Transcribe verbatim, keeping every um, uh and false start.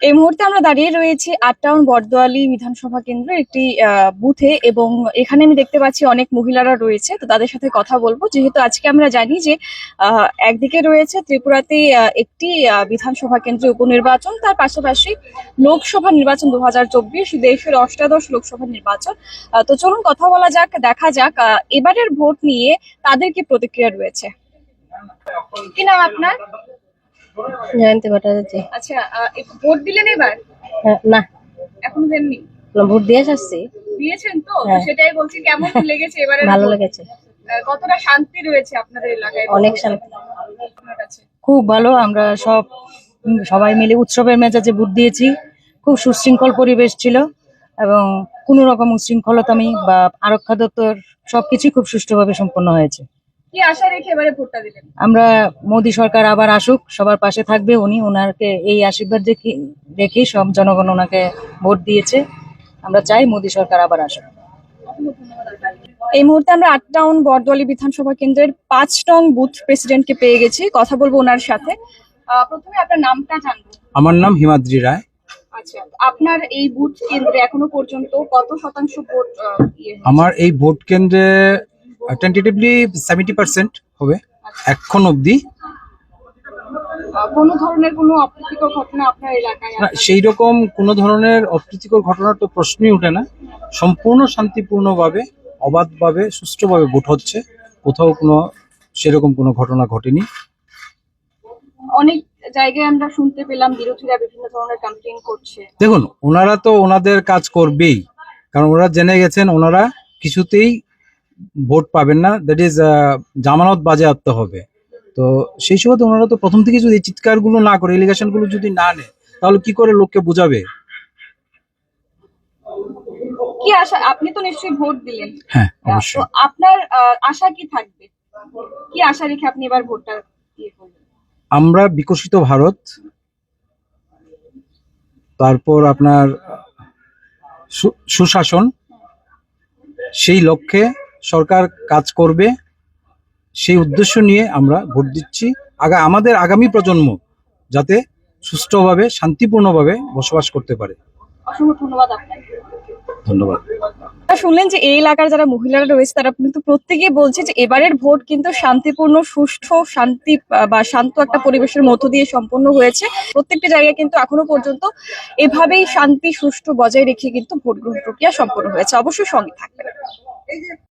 এই মুহূর্তে আমরা দাঁড়িয়ে রয়েছি আট টাউন বটদোয়ালি বিধানসভা কেন্দ্রের একটি আহ, বুথে, এবং এখানে আমি দেখতে পাচ্ছি অনেক মহিলারা রয়েছে। তো তাদের সাথে কথা বলবো, যেহেতু আজকে আমরা জানি যে আহ, একদিকে রয়েছে ত্রিপুরাতে আহ, একটি আহ, বিধানসভা কেন্দ্রে উপনির্বাচন, তার পাশাপাশি লোকসভা নির্বাচন দু হাজার চব্বিশ, দেশের অষ্টাদশ লোকসভা নির্বাচন। আহ, তো চলুন কথা বলা যাক, দেখা যাক আহ, এবারের ভোট নিয়ে তাদের কি প্রতিক্রিয়া রয়েছে। কি নাম আপনার? জয়ন্তী ভট্টাচার্য। আচ্ছা, আহ, এ- ভোট দিলেন এবার? হ্যাঁ, না, এখনো দেননি? না, ভোট দিয়ে আসছি। দিয়েছেন তো? তো হ্যাঁ। সেটাই বলছি, কেমন লেগেছে এবারে? ভালো লেগেছে, কতটা শান্তি রয়েছে আপনাদের এলাকায়? অনেক শান্তি। আপনার কাছে খুব ভালো। আমরা সব উম, সবাই মিলে উৎসবের মেজাজে ভোট দিয়েছি। খুব সুশৃঙ্খল পরিবেশ ছিল এবং কোনো রকম উচ্ছৃঙ্খলতামি বা আরক্ষা দপ্তর সবকিছু খুব সুষ্ঠুভাবে সম্পন্ন হয়েছে। কি আশা রেখে এবারে ভোটটা দিলেন? আমরা মোদী সরকার আবার আসুক, সবার পাশে থাকবে উনি, ওনাকে এই আশীর্বাদ রেখে রেখেই সব জনগণ ওনাকে ভোট দিয়েছে। আমরা চাই মোদী সরকার আবার আসুক। এই মুহূর্তে আমরা আট টাউন বটদোয়ালি বিধানসভা কেন্দ্রের পাঁচ নং বুথ প্রেসিডেন্টকে পেয়ে গেছি, কথা বলবো ওনার সাথে। আহ, প্রথমে আপনার নামটা জানবো। আমার নাম হিমাদ্রি রায়। আচ্ছা, আপনার এই বুথ কেন্দ্রে এখনো পর্যন্ত কত শতাংশ ভোট আহ, ইয়ে হয়েছে? আমার এই ভোট কেন্দ্রে টেন্টেটিভলি সেভেন্টি পার্সেন্ট হবে এখন অবধি। আহ, কোনো ধরনের কোনো অপ্রীতিকর ঘটনা আপনার এলাকায় আছে? সেই রকম কোনো ধরনের অপ্রীতিকর ঘটনার তো প্রশ্নই ওঠে না। সম্পূর্ণ শান্তিপূর্ণভাবে, অবাধভাবে, সুষ্ঠুভাবে ভোট হচ্ছে। কোথাও কোনো সেরকম কোনো ঘটনা ঘটেনি। অনেক জায়গায় আমরা শুনতে পেলাম বিরোধীরা বিভিন্ন ধরনের কমপ্লেইন করছে। দেখুন, ওনারা তো ওনাদের কাজ করবেই, কারণ ওনারা জেনে গেছেন ওনারা কিছুতেই ভোট পাবেন না, দ্যাট ইজ জামানত বাজেয়াপ্ত হবে। তো সেই সুবাদে ওনারা তো প্রথম থেকে যদি চিৎকার গুলো না করে, এলিগেশন গুলো যদি না নেয়, তাহলে কি করে লোককে বোঝাবে? কি আশা? আপনি তো নিশ্চয়ই ভোট দিলেন। হ্যাঁ, তো অবশ্যই। আপনার আহ, আশা কি থাকবে? কি আশা রেখে আপনি এবার ভোটটা ইয়ে করবেন? আমরা বিকশিত ভারত, তারপর আপনার সু- সুশাসন, সেই লক্ষ্যে সরকার কাজ করবে, সেই উদ্দেশ্য নিয়ে আমরা ভোট দিচ্ছি। আগা আমাদের আগামী প্রজন্ম যাতে সুষ্ঠুভাবে, শান্তিপূর্ণভাবে বসবাস করতে পারে। অসংখ্য ধন্যবাদ আপনাকে। ধন্যবাদ। আপনারা শুনলেন যে এই এলাকার যারা মহিলারা রয়েছে তারা কিন্তু প্রত্যেকেই বলছে যে এবারের ভোট কিন্তু শান্তিপূর্ণ, সুষ্ঠু, শান্তি আহ, বা শান্ত একটা পরিবেশের মধ্য দিয়ে সম্পন্ন হয়েছে। প্রত্যেকটা জায়গায় কিন্তু এখনো পর্যন্ত এভাবেই শান্তি সুষ্ঠু বজায় রেখে কিন্তু ভোট গ্রহণ প্রক্রিয়া সম্পন্ন হয়েছে। অবশ্যই সঙ্গে থাকবেন।